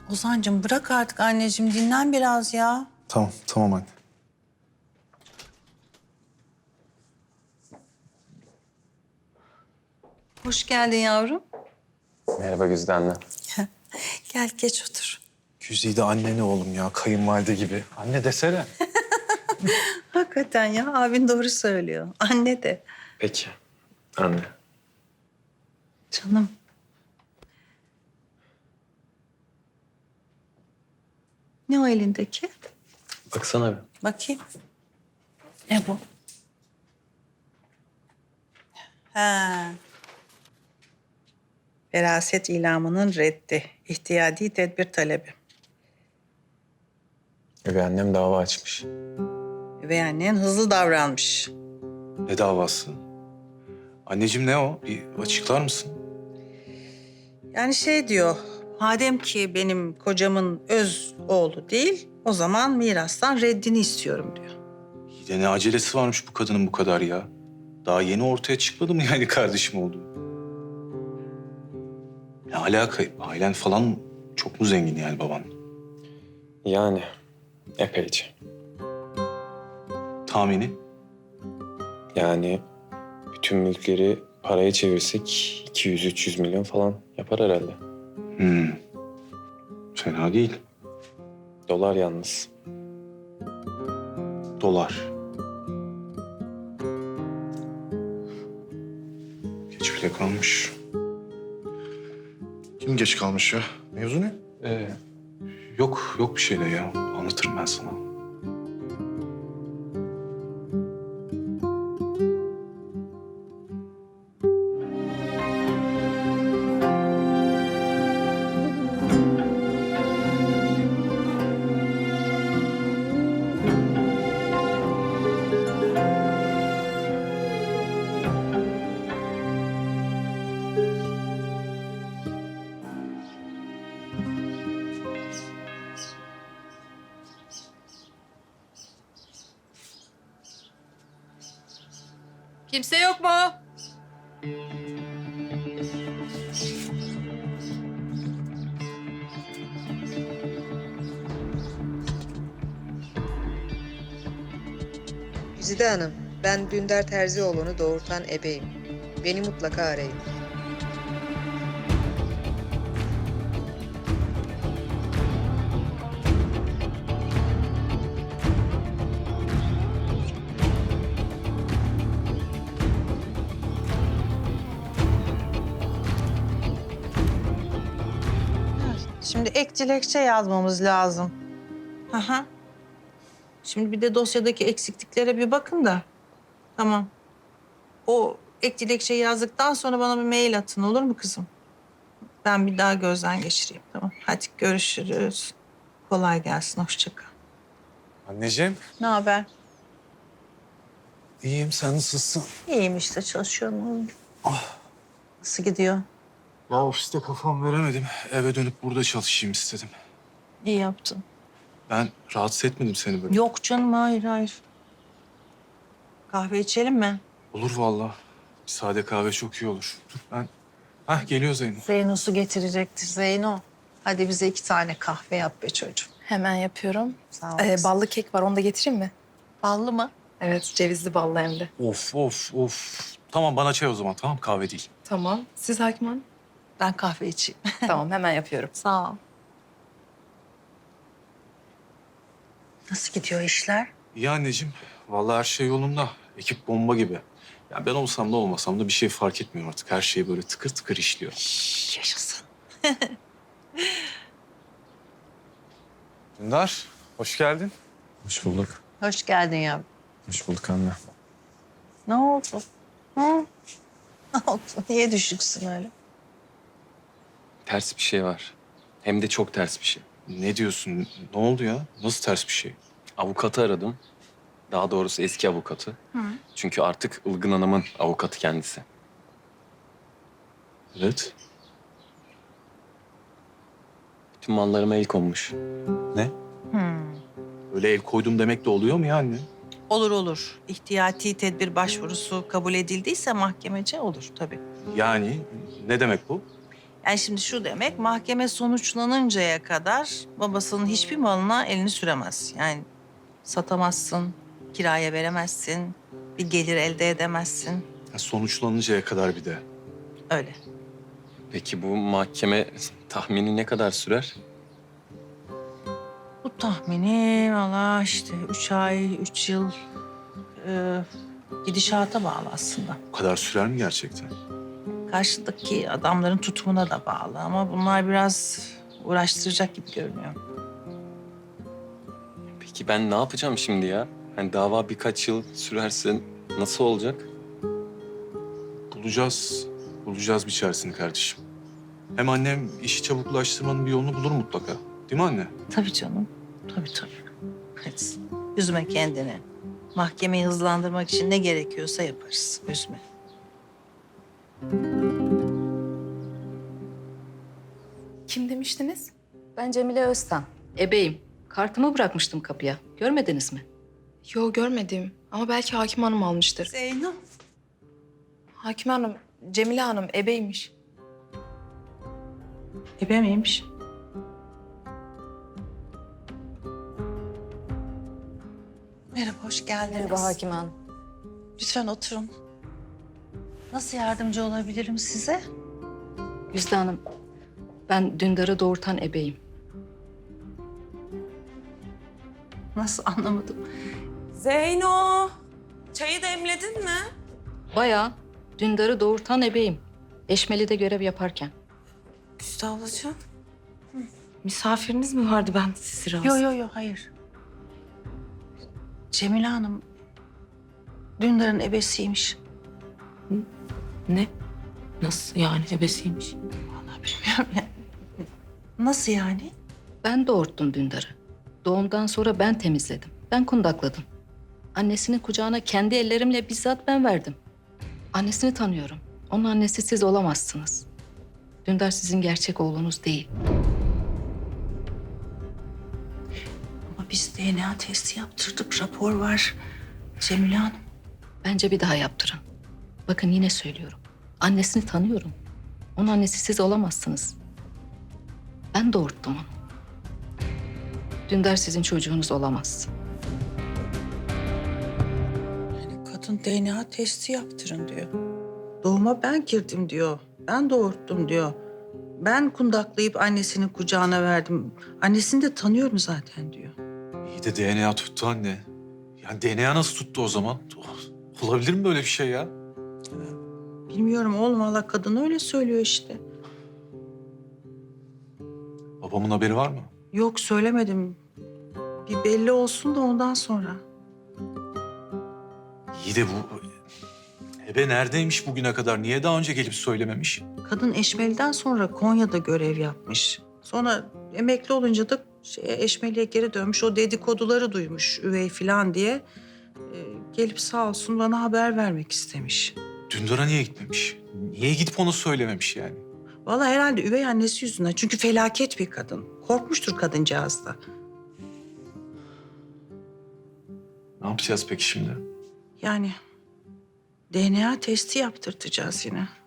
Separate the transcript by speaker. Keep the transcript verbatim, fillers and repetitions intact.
Speaker 1: Ozan'cığım bırak artık anneciğim, dinlen biraz ya.
Speaker 2: Tamam, tamam anne.
Speaker 1: Hoş geldin yavrum.
Speaker 3: Merhaba Güzide anne.
Speaker 1: Gel geç otur.
Speaker 2: Güzide anne ne oğlum ya, kayınvalide gibi. Anne desene.
Speaker 1: Hakikaten ya, abin doğru söylüyor. Anne de.
Speaker 3: Peki anne.
Speaker 1: Canım. Ne o elindeki?
Speaker 3: Baksana bir.
Speaker 1: Bakayım. Ne bu? Ha. Veraset ilamının reddi. İhtiyadi tedbir talebi.
Speaker 3: Üvey annem dava açmış.
Speaker 1: Üvey annen hızlı davranmış.
Speaker 2: Ne davası? Anneciğim ne o? Bir açıklar mısın?
Speaker 1: Yani şey diyor, madem ki benim kocamın öz oğlu değil, o zaman mirastan reddini istiyorum diyor.
Speaker 2: İyi de ne acelesi varmış bu kadının bu kadar ya? Daha yeni ortaya çıkmadı mı yani kardeşim oldu? Ne alaka? Ailen falan çok mu zengin yani baban?
Speaker 3: Yani epeyce.
Speaker 2: Tahmini?
Speaker 3: Yani bütün mülkleri paraya çevirsek iki yüz üç yüz milyon falan yapar herhalde.
Speaker 2: Hmm. Fena değil.
Speaker 3: Dolar yalnız.
Speaker 2: Dolar. Geç bile kalmış.
Speaker 4: Kim geç kalmış ya? Mevzu ne?
Speaker 2: Ee, yok, yok bir şey de ya. Anlatırım ben sana.
Speaker 1: Kimse yok mu?
Speaker 5: Güzide Hanım, ben Dündar Terzioğlu'nu doğurtan ebeyim. Beni mutlaka arayın.
Speaker 1: Şimdi ek dilekçe yazmamız lazım. Aha. Şimdi bir de dosyadaki eksikliklere bir bakın da. Tamam. O ek dilekçeyi yazdıktan sonra bana bir mail atın, olur mu kızım? Ben bir daha gözden geçireyim, tamam. Hadi görüşürüz. Kolay gelsin, hoşça kal.
Speaker 2: Anneciğim.
Speaker 1: Ne haber?
Speaker 2: İyiyim, sen nasılsın?
Speaker 1: İyiyim işte, çalışıyorum. Nasıl gidiyor?
Speaker 2: Ya ofiste kafam veremedim. Eve dönüp burada çalışayım istedim.
Speaker 1: İyi yaptın.
Speaker 2: Ben rahatsız etmedim seni böyle.
Speaker 1: Yok canım, hayır hayır. Kahve içelim mi?
Speaker 2: Olur vallahi. Bir sade kahve çok iyi olur. Dur ben... Hah geliyor Zeynep.
Speaker 1: Zeyno su getirecektir Zeyno. Hadi bize iki tane kahve yap be çocuğum.
Speaker 6: Hemen yapıyorum.
Speaker 1: Sağ ol.
Speaker 6: Ee, ballı kek var, onu da getireyim mi?
Speaker 1: Ballı mı?
Speaker 6: Evet, cevizli ballı hem de.
Speaker 2: Of of of. Tamam bana çay o zaman, tamam, kahve değil.
Speaker 6: Tamam. Siz Hakim Hanım?
Speaker 1: Ben kahve içeyim.
Speaker 6: Tamam, hemen yapıyorum.
Speaker 1: Sağ ol. Nasıl gidiyor işler?
Speaker 2: İyi anneciğim. Vallahi her şey yolunda. Ekip bomba gibi. Ya ben olsam da olmasam da bir şey fark etmiyor artık. Her şey böyle tıkır tıkır işliyor.
Speaker 1: Yaşasın.
Speaker 2: Dündar, hoş geldin.
Speaker 3: Hoş bulduk.
Speaker 1: Hoş geldin yavrum.
Speaker 3: Hoş bulduk anne.
Speaker 1: Ne oldu? Hı? Ne oldu? Niye düşüksün öyle?
Speaker 3: Ters bir şey var. Hem de çok ters bir şey.
Speaker 2: Ne diyorsun? Ne oldu ya? Nasıl ters bir şey?
Speaker 3: Avukatı aradım. Daha doğrusu eski avukatı. Çünkü artık Ilgın Hanım'ın avukatı kendisi.
Speaker 2: Evet.
Speaker 3: Bütün mallarıma el konmuş.
Speaker 2: Ne? Öyle el koydum demek de oluyor mu ya anne?
Speaker 1: Olur olur. İhtiyati tedbir başvurusu kabul edildiyse mahkemece olur tabii.
Speaker 2: Yani ne demek bu?
Speaker 1: Yani şimdi şu demek, mahkeme sonuçlanıncaya kadar babasının hiçbir malına elini süremez. Yani satamazsın, kiraya veremezsin, bir gelir elde edemezsin.
Speaker 2: Ya sonuçlanıncaya kadar bir de.
Speaker 1: Öyle.
Speaker 3: Peki bu mahkeme tahmini ne kadar sürer?
Speaker 1: Bu tahmini valla işte üç ay, üç yıl e, gidişata bağlı aslında.
Speaker 2: Bu kadar sürer mi gerçekten?
Speaker 1: Karşıdaki adamların tutumuna da bağlı ama bunlar biraz uğraştıracak gibi görünüyor.
Speaker 3: Peki ben ne yapacağım şimdi ya? Hani dava birkaç yıl sürerse nasıl olacak?
Speaker 2: Bulacağız. Bulacağız bir çaresini kardeşim. Hem annem işi çabuklaştırmanın bir yolunu bulur mutlaka. Değil mi anne?
Speaker 1: Tabii canım, tabii tabii. Hadi üzme kendini. Mahkemeyi hızlandırmak için ne gerekiyorsa yaparız, üzme.
Speaker 6: Kim demiştiniz?
Speaker 7: Ben Cemile Öztan. Ebeyim. Kartımı bırakmıştım kapıya. Görmediniz mi?
Speaker 6: Yo görmedim ama belki Hakim Hanım almıştır.
Speaker 1: Zeyno.
Speaker 6: Hakim Hanım, Cemile Hanım ebeymiş.
Speaker 1: Ebe miymiş? Merhaba, hoş geldiniz.
Speaker 7: Merhaba Hakim Hanım.
Speaker 1: Lütfen oturun. Nasıl yardımcı olabilirim size?
Speaker 7: Güzde Hanım, ben Dündar'ı doğurtan ebeyim.
Speaker 1: Nasıl anlamadım.
Speaker 8: Zeyno, çayı demledin mi?
Speaker 7: Bayağı Dündar'ı doğurtan ebeyim. Eşmeli'de görev yaparken.
Speaker 8: Güzde ablacığım. Misafiriniz mi vardı, ben sizi rahatsız...
Speaker 1: Yok yok yok, hayır. Cemile Hanım Dündar'ın ebesiymiş.
Speaker 8: Ne? Nasıl yani, ebesiymiş?
Speaker 1: Vallahi bilmiyorum yani. Nasıl yani?
Speaker 7: Ben doğurttum Dündar'ı. Doğumdan sonra ben temizledim. Ben kundakladım. Annesinin kucağına kendi ellerimle bizzat ben verdim. Annesini tanıyorum. Onun annesi siz olamazsınız. Dündar sizin gerçek oğlunuz değil.
Speaker 1: Ama biz D N A testi yaptırdık, rapor var. Cemile Hanım.
Speaker 7: Bence bir daha yaptırın. Bakın yine söylüyorum. Annesini tanıyorum. Onun annesi siz olamazsınız. Ben doğurttum onu. Dündar sizin çocuğunuz olamaz.
Speaker 1: Yani kadın D N A testi yaptırın diyor. Doğuma ben girdim diyor. Ben doğurttum diyor. Ben kundaklayıp annesinin kucağına verdim. Annesini de tanıyorum zaten diyor.
Speaker 2: İyi de D N A tuttu anne. Yani D N A nasıl tuttu o zaman? Olabilir mi böyle bir şey ya?
Speaker 1: Bilmiyorum oğlum, valla kadın öyle söylüyor işte.
Speaker 2: Babamın haberi var mı?
Speaker 1: Yok, söylemedim. Bir belli olsun da ondan sonra.
Speaker 2: İyi de bu... Ebe neredeymiş bugüne kadar? Niye daha önce gelip söylememiş?
Speaker 1: Kadın Eşmeli'den sonra Konya'da görev yapmış. Sonra emekli olunca da şeye, Eşmeli'ye geri dönmüş. O dedikoduları duymuş üvey falan diye. Ee, gelip sağ olsun bana haber vermek istemiş.
Speaker 2: Dündar'a niye gitmemiş? Niye gidip ona söylememiş yani?
Speaker 1: Vallahi herhalde üvey annesi yüzünden. Çünkü felaket bir kadın. Korkmuştur kadıncağız da.
Speaker 2: Ne yapacağız peki şimdi?
Speaker 1: Yani D N A testi yaptırtacağız yine.